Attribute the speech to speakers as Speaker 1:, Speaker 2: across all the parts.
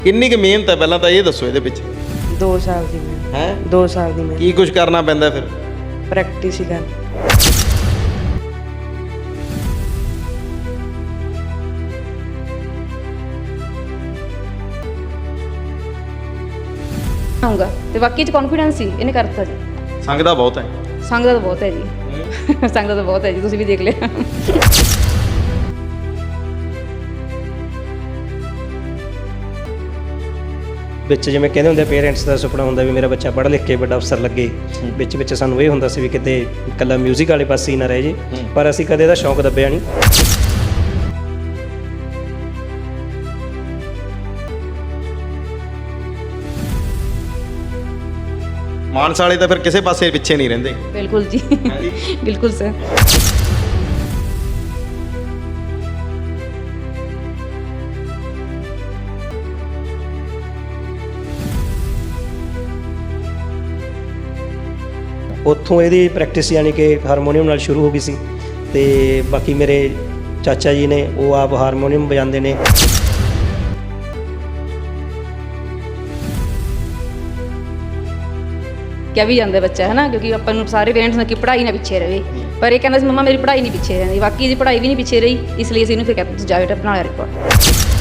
Speaker 1: ਕਿੰਨੀ ਕੁ ਮਿਹਨਤ ਹੈ ਪਹਿਲਾਂ ਤਾਂ ਇਹ ਦੱਸੋ ਇਹਦੇ ਪਿੱਛੇ
Speaker 2: 2 ਸਾਲ ਦੀ ਮੈਂ
Speaker 1: ਹੈ
Speaker 2: 2 ਸਾਲ ਦੀ ਮੈਂ
Speaker 1: ਕੀ ਕੁਝ ਕਰਨਾ ਪੈਂਦਾ ਫਿਰ
Speaker 2: ਪ੍ਰੈਕਟਿਸ ਹੀ ਕਰ
Speaker 3: ਆਊਂਗਾ ਤੇ ਬਾਕੀ ਚ ਕੌਨਫੀਡੈਂਸ ਸੀ ਇਹਨੇ ਕਰਤਾ ਜੀ।
Speaker 1: ਸੰਗ ਦਾ ਬਹੁਤ ਹੈ
Speaker 3: ਸੰਗ ਦਾ ਤਾਂ ਬਹੁਤ ਹੈ ਜੀ ਸੰਗ ਦਾ ਤਾਂ ਬਹੁਤ ਹੈ ਜੀ, ਤੁਸੀਂ ਵੀ ਦੇਖ ਲਿਆ।
Speaker 4: ਵਿੱਚ ਜਿਵੇਂ ਕਹਿੰਦੇ ਹੁੰਦੇ ਪੇਰੈਂਟਸ ਦਾ ਸੁਪਨਾ ਹੁੰਦਾ ਵੀ ਮੇਰਾ ਬੱਚਾ ਪੜ੍ਹ ਲਿਖ ਕੇ ਵੱਡਾ ਅਫਸਰ ਲੱਗੇ। ਵਿੱਚ ਸਾਨੂੰ ਇਹ ਹੁੰਦਾ ਸੀ ਵੀ ਕਿਤੇ ਇਕੱਲਾ ਮਿਊਜ਼ਿਕ ਵਾਲੇ ਪਾਸੇ ਹੀ ਨਾ ਰਹਿ ਜੇ, ਪਰ ਅਸੀਂ ਕਦੇ ਇਹਦਾ ਸ਼ੌਂਕ ਦੱਬਿਆ ਨਹੀਂ।
Speaker 1: ਮਾਨਸਾ ਵਾਲੇ ਤਾਂ ਫਿਰ ਕਿਸੇ ਪਾਸੇ ਪਿੱਛੇ ਨਹੀਂ ਰਹਿੰਦੇ।
Speaker 3: ਬਿਲਕੁਲ ਜੀ, ਬਿਲਕੁਲ ਸਰ।
Speaker 4: ਉੱਥੋਂ ਇਹਦੀ ਪ੍ਰੈਕਟਿਸ ਯਾਨੀ ਕਿ ਹਾਰਮੋਨੀਅਮ ਨਾਲ ਸ਼ੁਰੂ ਹੋ ਗਈ ਸੀ, ਤੇ ਬਾਕੀ ਮੇਰੇ ਚਾਚਾ ਜੀ ਨੇ ਉਹ ਆਪ ਹਾਰਮੋਨੀਅਮ ਵਜਾਉਂਦੇ ਨੇ।
Speaker 3: ਕਿਹਾ ਵੀ ਜਾਂਦਾ ਬੱਚਾ ਹੈ ਨਾ, ਕਿਉਂਕਿ ਆਪਾਂ ਨੂੰ ਸਾਰੇ ਪੇਰੈਂਟਸ ਨੇ ਕਿ ਪੜ੍ਹਾਈ ਨਾ ਪਿੱਛੇ ਰਹੇ, ਪਰ ਇਹ ਕਹਿੰਦਾ ਸੀ ਮੰਮਾ ਮੇਰੀ ਪੜ੍ਹਾਈ ਨਹੀਂ ਪਿੱਛੇ ਰਹਿੰਦੀ। ਬਾਕੀ ਇਹਦੀ ਪੜ੍ਹਾਈ ਵੀ ਨਹੀਂ ਪਿੱਛੇ ਰਹੀ, ਇਸ ਲਈ ਅਸੀਂ ਇਹਨੂੰ ਫਿਰ ਕਹਿੰਦੇ ਤੁਸੀਂ ਜਾਓ ਬਣਾ ਲਿਆ ਰਿਕਾਰਡ।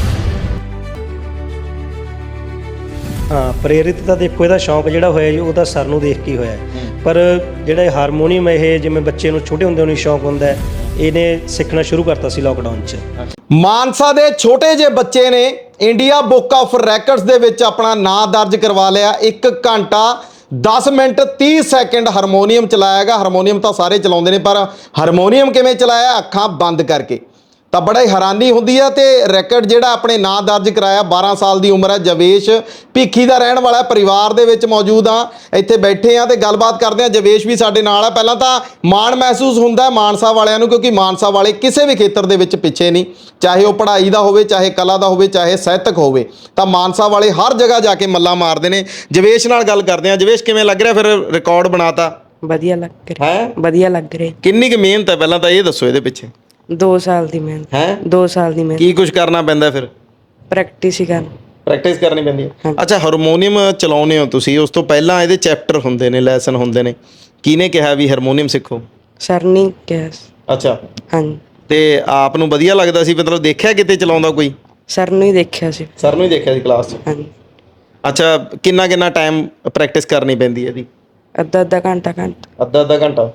Speaker 4: ਹਾਂ, ਪ੍ਰੇਰਿਤ ਤਾਂ ਦੇਖੋ ਇਹਦਾ ਸ਼ੌਂਕ ਜਿਹੜਾ ਹੋਇਆ ਜੀ ਉਹ ਤਾਂ ਸਰ ਨੂੰ ਦੇਖ ਕੇ ਹੀ ਹੋਇਆ, ਪਰ ਜਿਹੜਾ ਹਾਰਮੋਨੀਅਮ ਇਹ ਜਿਵੇਂ ਬੱਚੇ ਨੂੰ ਛੋਟੇ ਹੁੰਦੇ ਨੂੰ ਸ਼ੌਂਕ ਹੁੰਦਾ, ਇਹਨੇ ਸਿੱਖਣਾ ਸ਼ੁਰੂ ਕਰਤਾ ਸੀ ਲਾਕਡਾਊਨ 'ਚ।
Speaker 1: ਮਾਨਸਾ ਦੇ ਛੋਟੇ ਜਿਹੇ ਬੱਚੇ ਨੇ ਇੰਡੀਆ ਬੁੱਕ ਆਫ ਰੈਕਰਡਸ ਦੇ ਵਿੱਚ ਆਪਣਾ ਨਾਂ ਦਰਜ ਕਰਵਾ ਲਿਆ। 1 ਘੰਟਾ 10 ਮਿੰਟ 30 ਸੈਕਿੰਡ ਹਾਰਮੋਨੀਅਮ ਚਲਾਇਆਗਾ। ਹਾਰਮੋਨੀਅਮ ਤਾਂ ਸਾਰੇ ਚਲਾਉਂਦੇ ਨੇ, ਪਰ ਹਾਰਮੋਨੀਅਮ ਕਿਵੇਂ ਚਲਾਇਆ? ਅੱਖਾਂ ਬੰਦ ਕਰਕੇ। ਤਾਂ ਬੜਾ ਹੀ ਹੈਰਾਨੀ ਹੁੰਦੀ ਹੈ। ਤੇ ਰੈਕਡ ਜਿਹੜਾ ਆਪਣੇ ਨਾਂ ਦਰਜ ਕਰਾਇਆ, 12 ਸਾਲ ਦੀ ਉਮਰ ਹੈ, ਜਵੇਸ਼ ਭੀਖੀ ਦਾ ਰਹਿਣ ਵਾਲਾ। ਪਰਿਵਾਰ ਦੇ ਵਿੱਚ ਮੌਜੂਦ ਆ, ਇੱਥੇ ਬੈਠੇ ਆ ਤੇ ਗੱਲਬਾਤ ਕਰਦੇ ਆ। ਜਵੇਸ਼ ਵੀ ਸਾਡੇ ਨਾਲ ਹੈ। ਪਹਿਲਾਂ ਤਾਂ ਮਾਣ ਮਹਿਸੂਸ ਹੁੰਦਾ ਹੈ ਮਾਨਸਾ ਵਾਲਿਆਂ ਨੂੰ, ਕਿਉਂਕਿ ਮਾਨਸਾ ਵਾਲੇ ਕਿਸੇ ਵੀ ਖੇਤਰ ਦੇ ਵਿੱਚ ਪਿੱਛੇ ਨਹੀਂ, ਚਾਹੇ ਉਹ ਪੜ੍ਹਾਈ ਦਾ ਹੋਵੇ, ਚਾਹੇ ਕਲਾ ਦਾ ਹੋਵੇ, ਚਾਹੇ ਸਾਹਿਤਕ ਹੋਵੇ, ਤਾਂ ਮਾਨਸਾ ਵਾਲੇ ਹਰ ਜਗ੍ਹਾ ਜਾ ਕੇ ਮੱਲਾਂ ਮਾਰਦੇ ਨੇ। ਜਵੇਸ਼ ਨਾਲ ਗੱਲ ਕਰਦੇ ਆ। ਜਵੇਸ਼, ਕਿਵੇਂ ਲੱਗ ਰਿਹਾ ਫਿਰ ਰਿਕਾਰਡ ਬਣਾਤਾ?
Speaker 2: ਵਧੀਆ ਲੱਗ ਰਿਹਾ
Speaker 1: ਹੈ
Speaker 2: ਵਧੀਆ ਲੱਗ ਰਿਹਾ।
Speaker 1: ਕਿੰਨੀ ਕੁ ਮਿਹਨਤ ਹੈ ਪਹਿਲਾਂ ਤਾਂ ਇਹ ਦੱਸੋ ਇਹਦੇ ਪਿੱਛੇ
Speaker 2: 2 ਸਾਲ ਦੀ ਮੈਂ
Speaker 1: ਹੈ
Speaker 2: 2 ਸਾਲ ਦੀ ਮੈਂ
Speaker 1: ਕੀ ਕੁਝ ਕਰਨਾ ਪੈਂਦਾ ਫਿਰ
Speaker 2: ਪ੍ਰੈਕਟਿਸ ਹੀ ਕਰ
Speaker 1: ਪ੍ਰੈਕਟਿਸ ਕਰਨੀ ਪੈਂਦੀ ਹੈ। ਅੱਛਾ, ਹਾਰਮੋਨੀਅਮ ਚਲਾਉਂਦੇ ਹੋ ਤੁਸੀਂ, ਉਸ ਤੋਂ ਪਹਿਲਾਂ ਇਹਦੇ ਚੈਪਟਰ ਹੁੰਦੇ ਨੇ, ਲੈਸਨ ਹੁੰਦੇ ਨੇ। ਕਿਹਨੇ ਕਿਹਾ ਵੀ ਹਾਰਮੋਨੀਅਮ ਸਿੱਖੋ?
Speaker 2: ਸਰ ਨੇ ਕਿਹਾ।
Speaker 1: ਅੱਛਾ,
Speaker 2: ਹਾਂਜੀ,
Speaker 1: ਤੇ ਆਪ ਨੂੰ ਵਧੀਆ ਲੱਗਦਾ ਸੀ? ਮਤਲਬ ਦੇਖਿਆ ਕਿਤੇ ਚਲਾਉਂਦਾ ਕੋਈ?
Speaker 2: ਸਰ ਨੂੰ ਹੀ ਦੇਖਿਆ ਸੀ।
Speaker 1: ਸਰ ਨੂੰ ਹੀ ਦੇਖਿਆ ਸੀ ਕਲਾਸ 'ਚ?
Speaker 2: ਹਾਂਜੀ,
Speaker 1: ਅੱਛਾ, ਕਿੰਨਾ ਟਾਈਮ ਪ੍ਰੈਕਟਿਸ ਕਰਨੀ ਪੈਂਦੀ ਹੈ ਇਹਦੀ?
Speaker 2: ਅੱਧਾ ਘੰਟਾ
Speaker 1: ਅੱਧਾ ਘੰਟਾ।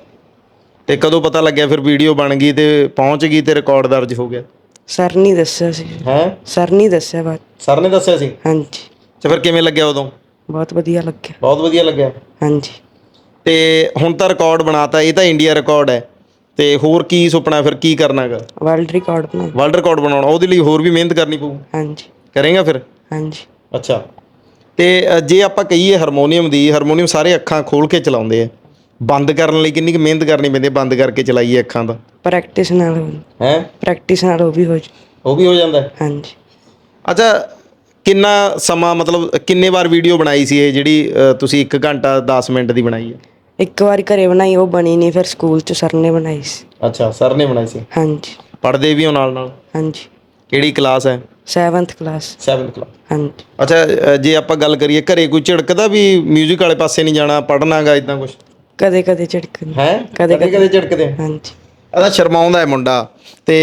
Speaker 1: ਤੇ ਕਦੋਂ ਪਤਾ ਲੱਗਿਆ ਫਿਰ ਵੀਡੀਓ ਬਣ ਗਈ ਤੇ ਪਹੁੰਚ ਗਈ ਤੇ ਰਿਕਾਰਡ ਦਰਜ ਹੋ ਗਿਆ?
Speaker 2: ਸਰ ਨੇ ਦੱਸਿਆ ਸੀ।
Speaker 1: ਹੈ
Speaker 2: ਸਰ ਨੇ ਦੱਸਿਆ ਬਾਅਦ।
Speaker 1: ਸਰ ਨੇ ਦੱਸਿਆ ਸੀ?
Speaker 2: ਹਾਂਜੀ,
Speaker 1: ਤੇ ਫਿਰ ਕਿਵੇਂ ਲੱਗਿਆ ਉਦੋਂ?
Speaker 2: ਬਹੁਤ ਵਧੀਆ ਲੱਗਿਆ।
Speaker 1: ਬਹੁਤ ਵਧੀਆ ਲੱਗਿਆ।
Speaker 2: ਹਾਂਜੀ,
Speaker 1: ਤੇ ਹੁਣ ਤਾਂ ਰਿਕਾਰਡ ਬਣਾਤਾ, ਇਹ ਤਾਂ ਇੰਡੀਆ ਰਿਕਾਰਡ ਹੈ, ਤੇ ਹੋਰ ਕੀ ਸੁਪਨਾ ਫਿਰ? ਕੀ ਕਰਨਾਗਾ?
Speaker 2: ਵਰਲਡ ਰਿਕਾਰਡ ਬਣਾ।
Speaker 1: ਵਰਲਡ ਰਿਕਾਰਡ ਬਣਾਉਣਾ, ਉਹਦੇ ਲਈ ਹੋਰ ਵੀ ਮਿਹਨਤ ਕਰਨੀ ਪਊ?
Speaker 2: ਹਾਂਜੀ,
Speaker 1: ਕਰੇਗਾ ਫਿਰ?
Speaker 2: ਹਾਂਜੀ।
Speaker 1: ਅੱਛਾ, ਤੇ ਜੇ ਆਪਾਂ ਕਹੀਏ ਹਾਰਮੋਨੀਅਮ ਸਾਰੇ ਅੱਖਾਂ ਖੋਲ ਕੇ ਚਲਾਉਂਦੇ ਆ, ਬੰਦ ਕਰਨ ਲਈ ਕਿੰਨੀ ਕੁ ਮਿਹਨਤ ਕਰਨੀ ਪੈਂਦੀ ਹੈ? ਬੰਦ ਕਰਕੇ ਚਲਾਈਏ ਅੱਖਾਂ ਦਾ
Speaker 2: ਪ੍ਰੈਕਟਿਸ ਨਾਲ
Speaker 1: ਹੈ?
Speaker 2: ਪ੍ਰੈਕਟਿਸ ਨਾਲ ਉਹ ਵੀ
Speaker 1: ਹੋ ਜਾਂਦਾ ਹੈ?
Speaker 2: ਹਾਂਜੀ।
Speaker 1: ਅੱਛਾ, ਕਿੰਨਾ ਸਮਾਂ, ਮਤਲਬ ਕਿੰਨੇ ਵਾਰ ਵੀਡੀਓ ਬਣਾਈ ਸੀ ਇਹ ਜਿਹੜੀ ਤੁਸੀਂ 1 ਘੰਟਾ 10 ਮਿੰਟ ਦੀ ਬਣਾਈ ਹੈ?
Speaker 2: ਇੱਕ ਵਾਰੀ ਘਰੇ ਬਣਾਈ, ਉਹ ਬਣੀ ਨਹੀਂ, ਫਿਰ ਸਕੂਲ 'ਚ ਸਰ ਨੇ ਬਣਾਈ ਸੀ।
Speaker 1: ਅੱਛਾ, ਸਰ ਨੇ ਬਣਾਈ ਸੀ।
Speaker 2: ਹਾਂਜੀ,
Speaker 1: ਪੜ੍ਹਦੇ ਵੀ ਹੋ ਨਾਲ?
Speaker 2: ਹਾਂਜੀ।
Speaker 1: ਕਿਹੜੀ ਕਲਾਸ ਹੈ?
Speaker 2: 7th class.
Speaker 1: 7th class.
Speaker 2: ਹਾਂਜੀ।
Speaker 1: ਅੱਛਾ, ਜੇ ਆਪਾਂ ਗੱਲ ਕਰੀਏ ਘਰੇ ਕੋਈ ਝਿੜਕਦਾ ਵੀ ਮਿਊਜ਼ਿਕ ਵਾਲੇ ਪਾਸੇ ਨਹੀਂ ਜਾਣਾ, ਪੜ੍ਹਨਾਗਾ, ਇਦਾਂ ਕੁਝ?
Speaker 2: ਕਦੇ ਝਿੜਕਦੇ।
Speaker 1: ਹੈ? ਕਦੇ ਝਿੜਕਦੇ?
Speaker 2: ਹਾਂਜੀ।
Speaker 1: ਇਹਦਾ ਸ਼ਰਮਾਉਂਦਾ ਹੈ ਮੁੰਡਾ। ਤੇ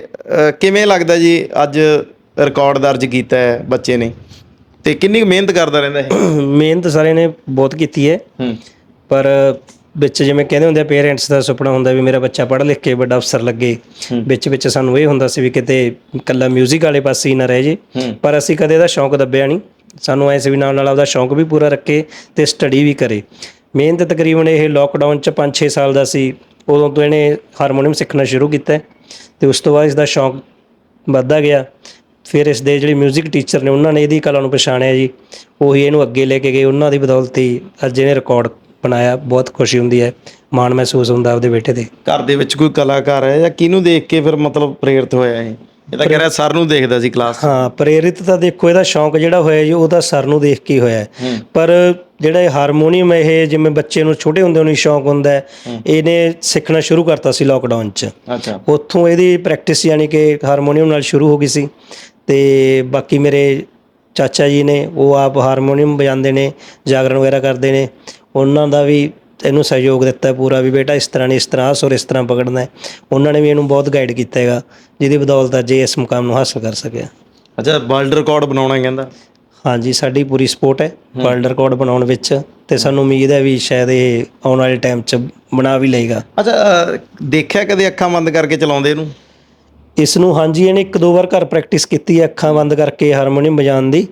Speaker 1: ਕਿਵੇਂ ਲੱਗਦਾ ਜੀ ਅੱਜ ਰਿਕਾਰਡ ਦਰਜ ਕੀਤਾ ਹੈ ਬੱਚੇ ਨੇ, ਤੇ ਕਿੰਨੀ ਮਿਹਨਤ ਕਰਦਾ ਰਹਿੰਦਾ ਇਹ?
Speaker 4: ਮਿਹਨਤ ਸਾਰੇ ਨੇ ਬਹੁਤ ਕੀਤੀ ਹੈ, ਪਰ ਵਿੱਚ ਜਿਵੇਂ ਕਹਿੰਦੇ ਹੁੰਦੇ ਪੇਰੈਂਟਸ ਦਾ ਸੁਪਨਾ ਹੁੰਦਾ ਵੀ ਮੇਰਾ ਬੱਚਾ ਪੜ੍ਹ ਲਿਖ ਕੇ ਵੱਡਾ ਅਫਸਰ ਲੱਗੇ। ਵਿੱਚ ਸਾਨੂੰ ਇਹ ਹੁੰਦਾ ਸੀ ਵੀ ਕਿਤੇ ਇਕੱਲਾ ਮਿਊਜ਼ਿਕ ਵਾਲੇ ਪਾਸੇ ਹੀ ਨਾ ਰਹਿ ਜੇ, ਪਰ ਅਸੀਂ ਕਦੇ ਇਹਦਾ ਸ਼ੌਂਕ ਦੱਬਿਆ ਨਹੀਂ। ਸਾਨੂੰ ਐਸੇ ਵੀ ਨਾਲ ਆਪਦਾ ਸ਼ੌਂਕ ਵੀ ਪੂਰਾ ਰੱਖੇ ਤੇ ਸਟੱਡੀ ਵੀ ਕਰੇ। ਮਿਹਨਤ ਤਕਰੀਬਨ ਇਹ ਲੋਕਡਾਊਨ 'ਚ 5-6 ਸਾਲ ਦਾ ਸੀ, ਉਦੋਂ ਤੋਂ ਇਹਨੇ ਹਾਰਮੋਨੀਅਮ ਸਿੱਖਣਾ ਸ਼ੁਰੂ ਕੀਤਾ, ਤੇ ਉਸ ਤੋਂ ਬਾਅਦ ਇਸਦਾ ਸ਼ੌਂਕ ਵੱਧਦਾ ਗਿਆ। ਫਿਰ ਇਸ ਦੇ ਜਿਹੜੇ ਮਿਊਜ਼ਿਕ ਟੀਚਰ ਨੇ ਉਹਨਾਂ ਨੇ ਇਹਦੀ ਕਲਾ ਨੂੰ ਪਛਾਣਿਆ ਜੀ, ਉਹੀ ਇਹਨੂੰ ਅੱਗੇ ਲੈ ਕੇ ਗਏ। ਉਹਨਾਂ ਦੀ ਬਦੌਲਤ ਹੀ ਅੱਜ ਇਹਨੇ ਰਿਕਾਰਡ ਬਣਾਇਆ। ਬਹੁਤ ਖੁਸ਼ੀ ਹੁੰਦੀ ਹੈ, ਮਾਣ ਮਹਿਸੂਸ ਹੁੰਦਾ ਆਪਦੇ ਬੇਟੇ ਤੇ।
Speaker 1: ਘਰ ਦੇ ਵਿੱਚ ਕੋਈ ਕਲਾਕਾਰ ਹੈ ਜਾਂ ਕਿਹਨੂੰ ਦੇਖ ਕੇ ਫਿਰ ਮਤਲਬ ਪ੍ਰੇਰਿਤ ਹੋਇਆ ਇਹ? ਇਹ ਤਾਂ ਕਹਿ ਰਿਹਾ ਸਰ ਨੂੰ ਦੇਖਦਾ ਸੀ ਕਲਾਸ 'ਚ।
Speaker 4: ਹਾਂ, ਪ੍ਰੇਰਿਤ ਤਾਂ ਦੇਖੋ ਇਹਦਾ ਸ਼ੌਂਕ ਜਿਹੜਾ ਹੋਇਆ ਜੀ ਉਹ ਤਾਂ ਸਰ ਨੂੰ ਦੇਖ ਕੇ ਹੀ ਹੋਇਆ, ਪਰ ਜਿਹੜਾ ਇਹ ਹਾਰਮੋਨੀਅਮ ਇਹ ਜਿਵੇਂ ਬੱਚੇ ਨੂੰ ਛੋਟੇ ਹੁੰਦੇ ਨੂੰ ਸ਼ੌਂਕ ਹੁੰਦਾ, ਇਹਨੇ ਸਿੱਖਣਾ ਸ਼ੁਰੂ ਕਰਤਾ ਸੀ ਲਾਕਡਾਊਨ 'ਚ।
Speaker 1: ਅੱਛਾ,
Speaker 4: ਉੱਥੋਂ ਇਹਦੀ ਪ੍ਰੈਕਟਿਸ ਯਾਨੀ ਕਿ ਹਾਰਮੋਨੀਅਮ ਨਾਲ ਸ਼ੁਰੂ ਹੋ ਗਈ ਸੀ, ਤੇ ਬਾਕੀ ਮੇਰੇ ਚਾਚਾ ਜੀ ਨੇ, ਉਹ ਆਪ ਹਾਰਮੋਨੀਅਮ ਵਜਾਉਂਦੇ ਨੇ, ਜਾਗਰਣ ਵਗੈਰਾ ਕਰਦੇ ਨੇ, ਉਹਨਾਂ ਦਾ ਵੀ ਇਹਨੂੰ ਸਹਿਯੋਗ ਦਿੱਤਾ ਪੂਰਾ ਵੀ ਬੇਟਾ ਇਸ ਤਰ੍ਹਾਂ ਨਹੀਂ, ਇਸ ਤਰ੍ਹਾਂ ਸੁਰ ਇਸ ਤਰ੍ਹਾਂ ਪਕੜਨਾ ਹੈ। ਉਹਨਾਂ ਨੇ ਵੀ ਇਹਨੂੰ ਬਹੁਤ ਗਾਈਡ ਕੀਤਾ ਹੈਗਾ, ਜਿਹਦੀ ਬਦੌਲਤ ਅੱਜ ਇਹ ਇਸ ਮੁਕਾਮ ਨੂੰ ਹਾਸਲ ਕਰ ਸਕਿਆ।
Speaker 1: ਅੱਛਾ, ਵਰਲਡ ਰਿਕਾਰਡ ਬਣਾਉਣਾ ਕਹਿੰਦਾ।
Speaker 4: ਹਾਂਜੀ, ਸਾਡੀ ਪੂਰੀ ਸਪੋਰਟ ਹੈ ਵਰਲਡ ਰਿਕਾਰਡ ਬਣਾਉਣ ਵਿੱਚ, ਅਤੇ ਸਾਨੂੰ ਉਮੀਦ ਹੈ ਵੀ ਸ਼ਾਇਦ ਇਹ ਆਉਣ ਵਾਲੇ ਟਾਈਮ 'ਚ ਬਣਾ ਵੀ ਲਏਗਾ।
Speaker 1: ਅੱਛਾ, ਦੇਖਿਆ ਕਦੇ ਅੱਖਾਂ ਬੰਦ ਕਰਕੇ ਚਲਾਉਂਦੇ ਇਹਨੂੰ?
Speaker 4: ਇਸ ਨੂੰ ਹਾਂਜੀ, ਇਹਨੇ 1-2 ਵਾਰ ਘਰ ਪ੍ਰੈਕਟਿਸ ਕੀਤੀ ਹੈ ਅੱਖਾਂ ਬੰਦ ਕਰਕੇ ਹਾਰਮੋਨੀਅਮ ਵਜਾਉਣ ਦੀ,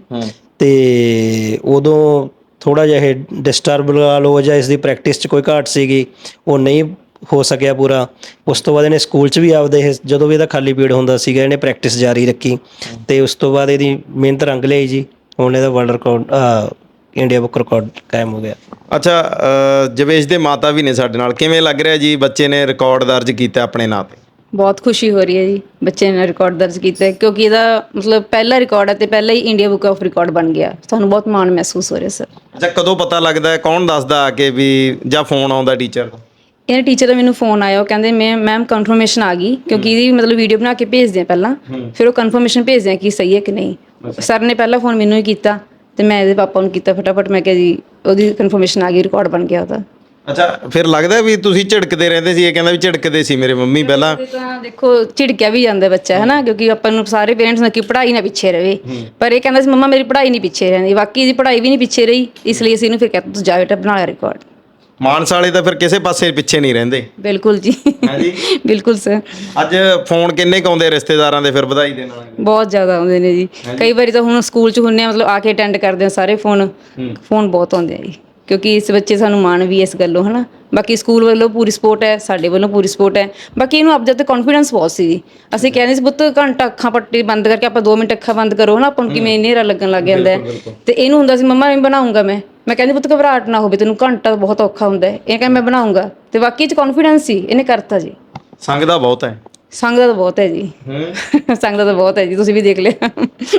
Speaker 4: ਅਤੇ ਉਦੋਂ ਥੋੜ੍ਹਾ ਜਿਹਾ ਇਹ ਡਿਸਟਰਬ ਲਗਾ ਲਓ ਜਾਂ ਇਸ ਦੀ ਪ੍ਰੈਕਟਿਸ 'ਚ ਕੋਈ ਘਾਟ ਸੀਗੀ, ਉਹ ਨਹੀਂ ਹੋ ਸਕਿਆ ਪੂਰਾ। ਉਸ ਤੋਂ ਬਾਅਦ ਇਹਨੇ ਸਕੂਲ 'ਚ ਵੀ ਆਪਦੇ ਇਹ ਜਦੋਂ ਵੀ ਇਹਦਾ ਖਾਲੀ ਪੀਰੀਅਡ ਹੁੰਦਾ ਸੀਗਾ ਇਹਨੇ ਪ੍ਰੈਕਟਿਸ ਜਾਰੀ ਰੱਖੀ, ਅਤੇ ਉਸ ਤੋਂ ਬਾਅਦ ਇਹਦੀ ਮਿਹਨਤ ਰੰਗ ਲਿਆਈ ਜੀ। ਹੁਣ ਇਹਦਾ world record India book record ਕਾਇਮ ਹੋ ਗਿਆ।
Speaker 1: ਅੱਛਾ, ਜਵੇਸ਼ ਦੇ ਮਾਤਾ ਵੀ ਨੇ ਸਾਡੇ ਨਾਲ, ਕਿਵੇਂ ਲੱਗ ਰਿਹਾ ਜੀ ਬੱਚੇ ਨੇ ਰਿਕਾਰਡ ਦਰਜ ਕੀਤਾ ਆਪਣੇ ਨਾਂ 'ਤੇ?
Speaker 3: ਬਹੁਤ ਖੁਸ਼ੀ ਹੋ ਰਹੀ ਹੈ ਜੀ, ਬੱਚੇ ਨੇ ਰਿਕਾਰਡ ਦਰਜ ਕੀਤਾ ਹੈ, ਕਿਉਂਕਿ ਇਹਦਾ ਮਤਲਬ ਪਹਿਲਾ ਰਿਕਾਰਡ ਹੈ ਅਤੇ ਪਹਿਲਾਂ ਹੀ ਇੰਡੀਆ ਬੁੱਕ ਆਫ ਰਿਕਾਰਡ ਬਣ ਗਿਆ। ਸਾਨੂੰ ਬਹੁਤ ਮਾਣ ਮਹਿਸੂਸ ਹੋ ਰਿਹਾ ਸਰ।
Speaker 1: ਅੱਛਾ, ਕਦੋਂ ਪਤਾ ਲੱਗਦਾ ਹੈ, ਕੌਣ ਦੱਸਦਾ ਆ ਕੇ ਵੀ, ਜਾਂ ਫੋਨ ਆਉਂਦਾ ਟੀਚਰ ਦਾ?
Speaker 3: ਇਹਨਾਂ ਟੀਚਰ ਦਾ ਮੈਨੂੰ ਫੋਨ ਆਇਆ, ਉਹ ਕਹਿੰਦੇ ਮੈਮ ਕਨਫਰਮੇਸ਼ਨ ਆ ਗਈ, ਕਿਉਂਕਿ ਇਹਦੀ ਮਤਲਬ ਵੀਡੀਓ ਬਣਾ ਕੇ ਭੇਜਦੇ ਆ ਪਹਿਲਾਂ, ਫਿਰ ਉਹ ਕਨਫਰਮੇਸ਼ਨ ਭੇਜਦੇ ਆ ਕਿ ਸਹੀ ਹੈ ਕਿ ਨਹੀਂ। ਸਰ ਨੇ ਪਹਿਲਾਂ ਫੋਨ ਮੈਨੂੰ ਹੀ ਕੀਤਾ ਅਤੇ ਮੈਂ ਇਹਦੇ ਪਾਪਾ ਨੂੰ ਕੀਤਾ ਫਟਾਫਟ, ਮੈਂ ਕਿਹਾ ਜੀ ਉਹਦੀ ਕਨਫਰਮੇਸ਼ਨ ਆ ਗਈ, ਰਿਕਾਰਡ ਬਣ ਗਿਆ ਉਹਦਾ।
Speaker 1: ਅੱਛਾ, ਫਿਰ ਲੱਗਦਾ ਵੀ ਤੁਸੀਂ ਝਿੜਕਦੇ ਰਹਿੰਦੇ ਸੀ? ਇਹ ਕਹਿੰਦਾ ਵੀ ਝਿੜਕਦੇ ਸੀ ਮੇਰੇ ਮੰਮੀ ਪਹਿਲਾਂ।
Speaker 3: ਤਾਂ ਦੇਖੋ ਝਿੜਕਿਆ ਵੀ ਜਾਂਦਾ ਬੱਚਾ, ਹੈ ਨਾ, ਕਿਉਂਕਿ ਆਪਾਂ ਨੂੰ ਸਾਰੇ ਪੇਰੈਂਟਸ ਨੂੰ ਕਿ ਪੜ੍ਹਾਈ ਨਾ ਪਿੱਛੇ ਰਹੇ, ਪਰ ਇਹ ਕਹਿੰਦਾ ਸੀ ਮੰਮਾ ਮੇਰੀ ਪੜ੍ਹਾਈ ਨਹੀਂ ਪਿੱਛੇ ਰਹਿੰਦੀ। ਬਾਕੀ ਇਹਦੀ ਪੜ੍ਹਾਈ ਵੀ ਨਹੀਂ ਪਿੱਛੇ ਰਹੀ, ਇਸ ਲਈ ਅਸੀਂ ਇਹਨੂੰ ਫਿਰ ਕਹਿੰਦੇ ਤੂੰ ਜਾ ਬੇਟਾ ਬਣਾ ਲਿਆ ਰਿਕਾਰਡ।
Speaker 1: ਮਾਨਸਾ ਵਾਲੇ ਤਾਂ ਫਿਰ ਕਿਸੇ ਪਾਸੇ ਪਿੱਛੇ ਨਹੀਂ ਰਹਿੰਦੇ।
Speaker 3: ਬਿਲਕੁਲ ਜੀ,
Speaker 1: ਹਾਂਜੀ,
Speaker 3: ਬਿਲਕੁਲ ਸਰ।
Speaker 1: ਅੱਜ ਫੋਨ ਕਿੰਨੇ ਕੁ ਆਉਂਦੇ ਰਿਸ਼ਤੇਦਾਰਾਂ ਦੇ ਫਿਰ ਵਧਾਈ ਦੇਣ ਵਾਲੇ?
Speaker 3: ਬਹੁਤ ਜ਼ਿਆਦਾ ਆਉਂਦੇ ਨੇ ਜੀ। ਕਈ ਵਾਰੀ ਤਾਂ ਹੁਣ ਸਕੂਲ 'ਚ ਹੁੰਦੇ ਆ, ਮਤਲਬ ਆ ਕੇ ਅਟੈਂਡ ਕਰਦੇ ਆ ਸਾਰੇ, ਫੋਨ ਬਹੁਤ ਆਉਂਦੇ ਆ ਜੀ, ਕਿਉਂਕਿ ਇਸ ਬੱਚੇ ਸਾਨੂੰ ਮਾਣ ਵੀ ਇਸ ਗੱਲੋਂ, ਹੈ ਨਾ। ਬਾਕੀ ਸਕੂਲ ਵੱਲੋਂ ਪੂਰੀ ਸਪੋਰਟ ਹੈ, ਸਾਡੇ ਵੱਲੋਂ ਪੂਰੀ ਸਪੋਰਟ ਹੈ। ਬਾਕੀ ਇਹਨੂੰ ਆਪਦੇ 'ਤੇ ਕੌਨਫੀਡੈਂਸ ਬਹੁਤ ਸੀ ਜੀ। ਅਸੀਂ ਕਹਿੰਦੇ ਸੀ ਪੁੱਤ ਘੰਟਾ ਅੱਖਾਂ ਪੱਟੀ ਬੰਦ ਕਰਕੇ ਆਪਾਂ 2 ਮਿੰਟ ਅੱਖਾਂ ਬੰਦ ਕਰੋ, ਹੈ ਨਾ, ਆਪਾਂ ਨੂੰ ਕਿਵੇਂ ਹਨੇਰਾ ਲੱਗਣ ਲੱਗ ਜਾਂਦਾ ਹੈ। ਅਤੇ ਇਹਨੂੰ ਹੁੰਦਾ ਸੀ ਮੰਮਾ ਮੈਂ ਬਣਾਉਂਗਾ। ਮੈਂ ਕਹਿੰਦੀ ਪੁੱਤ ਘਬਰਾਹਟ ਨਾ ਹੋਵੇ, ਤੈਨੂੰ ਘੰਟਾ ਬਹੁਤ ਔਖਾ ਹੁੰਦਾ ਹੈ। ਇਹ ਕਹਿੰਦਾ ਮੈਂ ਬਣਾਉਂਗਾ, ਅਤੇ ਬਾਕੀ 'ਚ ਕੌਨਫੀਡੈਂਸ ਸੀ, ਇਹਨੇ ਕਰਤਾ ਜੀ।
Speaker 1: ਸੰਗ ਦਾ ਬਹੁਤ ਹੈ।
Speaker 3: ਸੰਗ ਦਾ ਤਾਂ ਬਹੁਤ ਹੈ ਜੀ, ਸੰਗ ਦਾ ਤਾਂ ਬਹੁਤ ਹੈ ਜੀ, ਤੁਸੀਂ ਵੀ ਦੇਖ ਲਿਆ।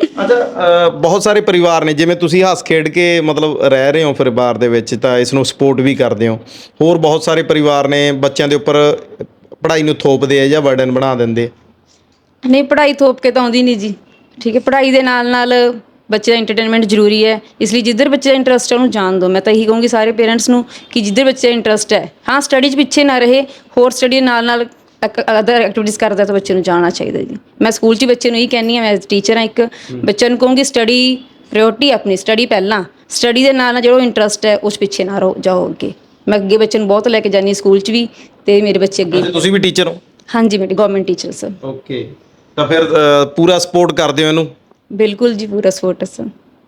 Speaker 1: ਅੱਛਾ, ਬਹੁਤ ਸਾਰੇ ਪਰਿਵਾਰ ਨੇ, ਜਿਵੇਂ ਤੁਸੀਂ ਹੱਸ ਖੇਡ ਕੇ ਮਤਲਬ ਰਹਿ ਰਹੇ ਹੋ ਪਰਿਵਾਰ ਦੇ ਵਿੱਚ, ਤਾਂ ਇਸ ਨੂੰ ਸਪੋਰਟ ਵੀ ਕਰਦੇ ਹੋ। ਹੋਰ ਬਹੁਤ ਸਾਰੇ ਪਰਿਵਾਰ ਨੇ ਬੱਚਿਆਂ ਦੇ ਉੱਪਰ ਪੜ੍ਹਾਈ ਨੂੰ ਥੋਪਦੇ ਆ ਜਾਂ ਬਰਡਨ ਬਣਾ ਦਿੰਦੇ।
Speaker 3: ਨਹੀਂ, ਪੜ੍ਹਾਈ ਥੋਪ ਕੇ ਤਾਂ ਆਉਂਦੀ ਨਹੀਂ ਜੀ, ਠੀਕ ਹੈ। ਪੜ੍ਹਾਈ ਦੇ ਨਾਲ ਨਾਲ ਬੱਚੇ ਦਾ ਇੰਟਰਟੇਨਮੈਂਟ ਜ਼ਰੂਰੀ ਹੈ, ਇਸ ਲਈ ਜਿੱਧਰ ਬੱਚੇ ਦਾ ਇੰਟਰਸਟ ਹੈ ਉਹਨੂੰ ਜਾਣ ਦਿਓ। ਮੈਂ ਤਾਂ ਇਹੀ ਕਹੂੰਗੀ ਸਾਰੇ ਪੇਰੈਂਟਸ ਨੂੰ ਕਿ ਜਿੱਧਰ ਬੱਚੇ ਦਾ ਇੰਟਰਸਟ ਹੈ, ਹਾਂ ਸਟੱਡੀ 'ਚ ਪਿੱਛੇ ਨਾ ਰਹੇ, ਹੋਰ ਸਟੱਡੀ ਨਾਲ ਨਾਲ ਅਦਰ ਐਕਟੀਵਿਟੀਜ਼ ਕਰਦਾ ਤਾਂ ਬੱਚੇ ਨੂੰ ਜਾਣਾ ਚਾਹੀਦਾ ਜੀ। ਮੈਂ ਸਕੂਲ 'ਚ ਬੱਚੇ ਨੂੰ ਇਹੀ ਕਹਿੰਦੀ ਹਾਂ, ਮੈਂ ਐਜ਼ ਟੀਚਰ ਹਾਂ ਇੱਕ, ਬੱਚਿਆਂ ਨੂੰ ਕਹੂੰਗੀ ਸਟੱਡੀ ਪ੍ਰਾਇਓਰਟੀ, ਆਪਣੀ ਸਟੱਡੀ ਪਹਿਲਾਂ, ਸਟੱਡੀ ਦੇ ਨਾਲ ਨਾਲ ਜਿਹੜਾ ਇੰਟਰਸਟ ਹੈ ਉਸ ਪਿੱਛੇ ਨਾ ਜਾਓ ਅੱਗੇ। ਮੈਂ ਅੱਗੇ ਬੱਚੇ ਨੂੰ ਬਹੁਤ ਲੈ ਕੇ ਜਾਂਦੀ ਹਾਂ ਸਕੂਲ 'ਚ ਵੀ, ਅਤੇ ਮੇਰੇ ਬੱਚੇ ਅੱਗੇ।
Speaker 1: ਤੁਸੀਂ ਵੀ ਟੀਚਰ ਹੋ? ਹਾਂਜੀ,
Speaker 3: ਮੇਰੀ ਗਵਰਨਮੈਂਟ ਟੀਚਰ ਸਰ।
Speaker 1: ਓਕੇ, ਤਾਂ ਫਿਰ ਪੂਰਾ ਸਪੋਰਟ ਕਰਦੇ ਹੋ ਇਹਨੂੰ?
Speaker 3: ਬਿਲਕੁਲ ਜੀ, ਪੂਰਾ ਸਪੋਰਟ ਹੈ ਸਰ।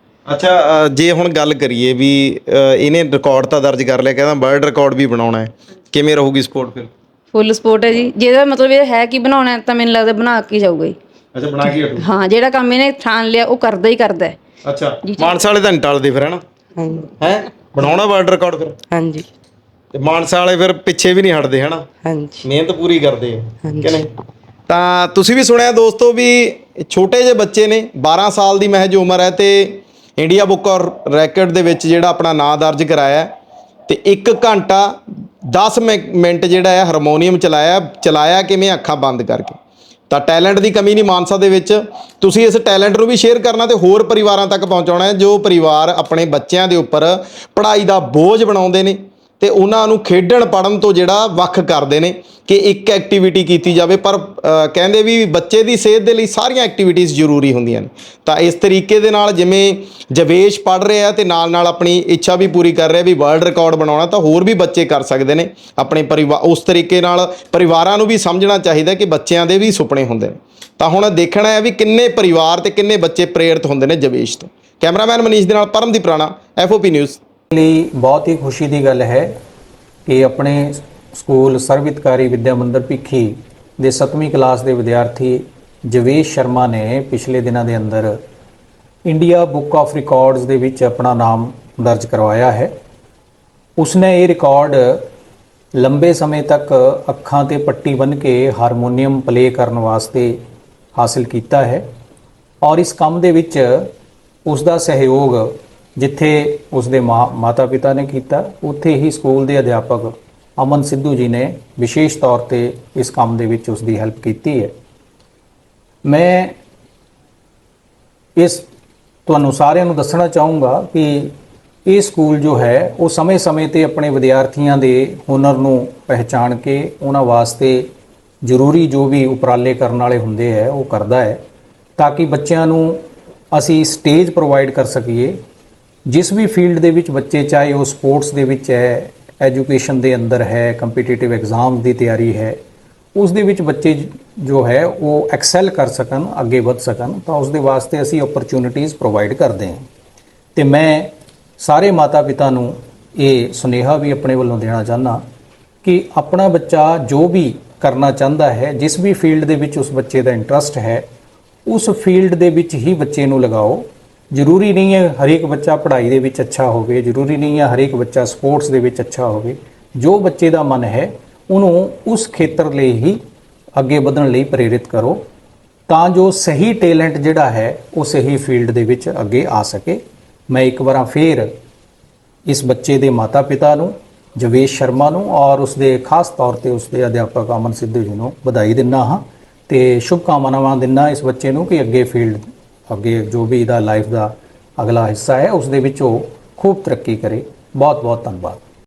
Speaker 1: ਅੱਛਾ, ਜੇ ਹੁਣ ਗੱਲ ਕਰੀਏ ਵੀ ਇਹਨੇ ਰਿਕਾਰਡ ਤਾਂ ਦਰਜ ਕਰ ਲਿਆ, ਕਹਿੰਦਾ ਵਰਲਡ ਰਿਕਾਰਡ ਵੀ ਬਣਾਉਣਾ ਹੈ, ਕਿਵੇਂ ਰਹੂਗੀ ਸਪੋਰਟ ਫਿਰ?
Speaker 3: ਫੁੱਲ ਸਪੋਰਟ ਹੈ ਜੀ। ਜਿਹਦਾ ਮਤਲਬ ਇਹ ਹੈ ਕਿ ਬਣਾਉਣਾ ਤਾਂ ਮੈਨੂੰ ਲੱਗਦਾ ਬਣਾ ਕੇ ਜਾਊਗਾ ਜੀ।
Speaker 1: ਅੱਛਾ, ਬਣਾ ਕੇ ਹਟੂ?
Speaker 3: ਹਾਂ, ਜਿਹੜਾ ਕੰਮ ਇਹਨੇ ਠਾਣ ਲਿਆ ਉਹ ਕਰਦਾ ਹੀ ਕਰਦਾ ਹੈ।
Speaker 1: ਅੱਛਾ, ਮਾਨਸਾ ਵਾਲੇ ਤਾਂ ਨਹੀਂ ਟਲਦੇ ਫਿਰ, ਹੈ ਨਾ?
Speaker 2: ਹਾਂਜੀ
Speaker 1: ਹੈ ਬਣਾਉਣਾ ਵਰਲਡ ਰਿਕਾਰਡ ਫਿਰ?
Speaker 2: ਹਾਂਜੀ
Speaker 1: ਤੇ ਮਾਨਸਾ ਵਾਲੇ ਫਿਰ ਪਿੱਛੇ ਵੀ ਨਹੀਂ ਹਟਦੇ, ਹੈ ਨਾ?
Speaker 2: ਹਾਂਜੀ
Speaker 1: ਮਿਹਨਤ ਪੂਰੀ ਕਰਦੇ ਆ
Speaker 2: ਹਾਂਜੀ।
Speaker 1: ਕਿ ਨਹੀਂ? ਤਾਂ ਤੁਸੀਂ ਵੀ ਸੁਣਿਆ ਦੋਸਤੋ ਵੀ ਛੋਟੇ ਜਿਹੇ ਬੱਚੇ ਨੇ, 12 ਸਾਲ ਦੀ ਮਹਿਜ ਉਮਰ ਹੈ, ਤੇ ਇੰਡੀਆ ਬੁੱਕ ਔਰ ਰੈਕਡ ਦੇ ਵਿੱਚ ਜਿਹੜਾ ਆਪਣਾ ਨਾਂ ਦਰਜ ਕਰਾਇਆ, ਤੇ 1 ਘੰਟਾ 10 ਮਿੰਟ ਜਿਹੜਾ ਹੈ ਹਾਰਮੋਨੀਅਮ ਚਲਾਇਆ ਕਿਵੇਂ? ਅੱਖਾਂ ਬੰਦ ਕਰਕੇ। ਤਾਂ ਟੈਲੈਂਟ ਦੀ ਕਮੀ ਨਹੀਂ ਮਾਨਸਾ ਦੇ ਵਿੱਚ। ਤੁਸੀਂ ਇਸ ਟੈਲੈਂਟ ਨੂੰ ਵੀ ਸ਼ੇਅਰ ਕਰਨਾ ਤੇ ਹੋਰ ਪਰਿਵਾਰਾਂ ਤੱਕ ਪਹੁੰਚਾਉਣਾ ਹੈ, ਜੋ ਪਰਿਵਾਰ ਆਪਣੇ ਬੱਚਿਆਂ ਦੇ ਉੱਪਰ ਪੜ੍ਹਾਈ ਦਾ ਬੋਝ ਬਣਾਉਂਦੇ ਨੇ ਤੇ ਉਹਨਾਂ ਨੂੰ ਖੇਡਣ ਪੜ੍ਹਨ ਤੋਂ ਜਿਹੜਾ ਵੱਖ ਕਰਦੇ ਨੇ ਕਿ ਇੱਕ ਐਕਟੀਵਿਟੀ ਕੀਤੀ ਜਾਵੇ। ਪਰ ਕਹਿੰਦੇ ਵੀ ਬੱਚੇ ਦੀ ਸਿਹਤ ਦੇ ਲਈ ਸਾਰੀਆਂ ਐਕਟੀਵਿਟੀਜ਼ ਜ਼ਰੂਰੀ ਹੁੰਦੀਆਂ ਨੇ। ਤਾਂ ਇਸ ਤਰੀਕੇ ਦੇ ਨਾਲ ਜਿਵੇਂ ਜਵੇਸ਼ ਪੜ੍ਹ ਰਿਹਾ ਤੇ ਨਾਲ ਨਾਲ ਆਪਣੀ ਇੱਛਾ ਵੀ ਪੂਰੀ ਕਰ ਰਿਹਾ ਵੀ ਵਰਲਡ ਰਿਕਾਰਡ ਬਣਾਉਣਾ, ਤਾਂ ਹੋਰ ਵੀ ਬੱਚੇ ਕਰ ਸਕਦੇ ਨੇ ਆਪਣੇ ਪਰਿਵਾਰ। ਉਸ ਤਰੀਕੇ ਨਾਲ ਪਰਿਵਾਰਾਂ ਨੂੰ ਵੀ ਸਮਝਣਾ ਚਾਹੀਦਾ ਕਿ ਬੱਚਿਆਂ ਦੇ ਵੀ ਸੁਪਨੇ ਹੁੰਦੇ ਨੇ। ਤਾਂ ਹੁਣ ਦੇਖਣਾ ਹੈ ਵੀ ਕਿੰਨੇ ਪਰਿਵਾਰ ਤੇ ਕਿੰਨੇ ਬੱਚੇ ਪ੍ਰੇਰਿਤ ਹੁੰਦੇ ਨੇ ਜਵੇਸ਼ ਤੋਂ। ਕੈਮਰਾਮੈਨ ਮਨੀਸ਼ ਦੇ ਨਾਲ ਪਰਮਦੀਪ ਰਾਣਾ, FOP ਨਿਊਜ਼।
Speaker 5: ਲਈ ਬਹੁਤ ਹੀ ਖੁਸ਼ੀ ਦੀ ਗੱਲ ਹੈ ਕਿ ਆਪਣੇ ਸਕੂਲ ਸਰਵਿਤਕਾਰੀ ਵਿਦਿਆ ਮੰਦਿਰ ਭਿੱਖੀ ਦੇ 7ਵੀਂ ਕਲਾਸ ਦੇ ਵਿਦਿਆਰਥੀ ਜਵੇਸ਼ ਸ਼ਰਮਾ ਨੇ ਪਿਛਲੇ ਦਿਨਾਂ ਦੇ ਅੰਦਰ ਇੰਡੀਆ ਬੁੱਕ ਆਫ ਰਿਕਾਰਡਸ ਦੇ ਵਿੱਚ ਆਪਣਾ ਨਾਮ ਦਰਜ ਕਰਵਾਇਆ ਹੈ। ਉਸਨੇ ਇਹ ਰਿਕਾਰਡ ਲੰਬੇ ਸਮੇਂ ਤੱਕ ਅੱਖਾਂ ਤੇ ਪੱਟੀ ਬੰਨ੍ਹ ਕੇ ਹਾਰਮੋਨੀਅਮ ਪਲੇ ਕਰਨ ਵਾਸਤੇ ਹਾਸਲ ਕੀਤਾ ਹੈ ਔਰ ਇਸ ਕੰਮ ਦੇ ਵਿੱਚ ਉਸ ਦਾ ਸਹਿਯੋਗ ਜਿੱਥੇ ਉਸਦੇ ਮਾਤਾ ਪਿਤਾ ਨੇ ਕੀਤਾ, ਉੱਥੇ ਹੀ ਸਕੂਲ ਦੇ ਅਧਿਆਪਕ ਅਮਨ ਸਿੱਧੂ ਜੀ ਨੇ ਵਿਸ਼ੇਸ਼ ਤੌਰ ਤੇ ਇਸ ਕੰਮ ਦੇ ਵਿੱਚ ਉਸ ਦੀ ਹੈਲਪ ਕੀਤੀ ਹੈ। ਮੈਂ ਇਸ ਤੁਹਾਨੂੰ ਸਾਰਿਆਂ ਨੂੰ ਦੱਸਣਾ ਚਾਹੂੰਗਾ ਕਿ ਇਹ ਸਕੂਲ ਜੋ ਹੈ ਉਹ ਸਮੇਂ-ਸਮੇਂ ਤੇ ਆਪਣੇ ਵਿਦਿਆਰਥੀਆਂ ਦੇ ਹੁਨਰ ਨੂੰ ਪਹਿਚਾਣ ਕੇ ਉਹਨਾਂ ਵਾਸਤੇ ਜ਼ਰੂਰੀ ਜੋ ਵੀ ਉਪਰਾਲੇ ਕਰਨ ਵਾਲੇ ਹੁੰਦੇ ਹੈ ਉਹ ਕਰਦਾ ਹੈ, ਤਾਂ ਕਿ ਬੱਚਿਆਂ ਨੂੰ ਅਸੀਂ ਸਟੇਜ ਪ੍ਰੋਵਾਈਡ ਕਰ ਸਕੀਏ। ਜਿਸ ਵੀ ਫੀਲਡ ਦੇ ਵਿੱਚ ਬੱਚੇ, ਚਾਹੇ ਉਹ ਸਪੋਰਟਸ ਦੇ ਵਿੱਚ ਹੈ, ਐਜੂਕੇਸ਼ਨ ਦੇ ਅੰਦਰ ਹੈ, ਕੰਪੀਟੀਟਿਵ ਐਗਜ਼ਾਮ ਦੀ ਤਿਆਰੀ ਹੈ, ਉਸ ਦੇ ਵਿੱਚ ਬੱਚੇ ਜੋ ਹੈ ਉਹ ਐਕਸੈਲ ਕਰ ਸਕਣ, ਅੱਗੇ ਵਧ ਸਕਣ, ਤਾਂ ਉਸ ਦੇ ਵਾਸਤੇ ਅਸੀਂ ਓਪਰਚੁਨਿਟੀਜ਼ ਪ੍ਰੋਵਾਈਡ ਕਰਦੇ ਹਾਂ। ਤੇ ਮੈਂ ਸਾਰੇ ਮਾਤਾ ਪਿਤਾ ਨੂੰ ਇਹ ਸੁਨੇਹਾ ਵੀ ਆਪਣੇ ਵੱਲੋਂ ਦੇਣਾ ਚਾਹੁੰਦਾ ਕਿ ਆਪਣਾ ਬੱਚਾ ਜੋ ਵੀ ਕਰਨਾ ਚਾਹੁੰਦਾ ਹੈ, ਜਿਸ ਵੀ ਫੀਲਡ ਦੇ ਵਿੱਚ ਉਸ ਬੱਚੇ ਦਾ ਇੰਟਰਸਟ ਹੈ, ਉਸ ਫੀਲਡ ਦੇ ਵਿੱਚ ਹੀ ਬੱਚੇ ਨੂੰ ਲਗਾਓ। ਜ਼ਰੂਰੀ ਨਹੀਂ ਹੈ ਹਰੇਕ ਬੱਚਾ ਪੜ੍ਹਾਈ ਦੇ ਵਿੱਚ ਅੱਛਾ ਹੋਵੇ, ਜ਼ਰੂਰੀ ਨਹੀਂ ਹੈ ਹਰੇਕ ਬੱਚਾ ਸਪੋਰਟਸ ਦੇ ਵਿੱਚ ਅੱਛਾ ਹੋਵੇ। ਜੋ ਬੱਚੇ ਦਾ ਮਨ ਹੈ ਉਹਨੂੰ ਉਸ ਖੇਤਰ ਲਈ ਹੀ ਅੱਗੇ ਵਧਣ ਲਈ ਪ੍ਰੇਰਿਤ ਕਰੋ, ਤਾਂ ਜੋ ਸਹੀ ਟੈਲੈਂਟ ਜਿਹੜਾ ਹੈ ਉਹ ਸਹੀ ਫੀਲਡ ਦੇ ਵਿੱਚ ਅੱਗੇ ਆ ਸਕੇ। ਮੈਂ ਇੱਕ ਵਾਰ ਫੇਰ ਇਸ ਬੱਚੇ ਦੇ ਮਾਤਾ ਪਿਤਾ ਨੂੰ, ਜਵੇਸ਼ ਸ਼ਰਮਾ ਨੂੰ, ਔਰ ਉਸਦੇ ਖਾਸ ਤੌਰ ਤੇ ਉਸਦੇ ਅਧਿਆਪਕ ਅਮਨ ਸਿੱਧੂ ਜੀ ਨੂੰ ਵਧਾਈ ਦਿੰਦਾ ਹਾਂ ਤੇ ਸ਼ੁਭਕਾਮਨਾਵਾਂ ਦਿੰਦਾ ਇਸ ਬੱਚੇ ਨੂੰ ਕਿ ਅੱਗੇ ਜੋ ਵੀ ਇਹਦਾ ਲਾਈਫ ਦਾ ਅਗਲਾ ਹਿੱਸਾ ਹੈ ਉਸ ਦੇ ਵਿੱਚ ਉਹ ਖੂਬ ਤਰੱਕੀ ਕਰੇ। ਬਹੁਤ ਬਹੁਤ ਧੰਨਵਾਦ।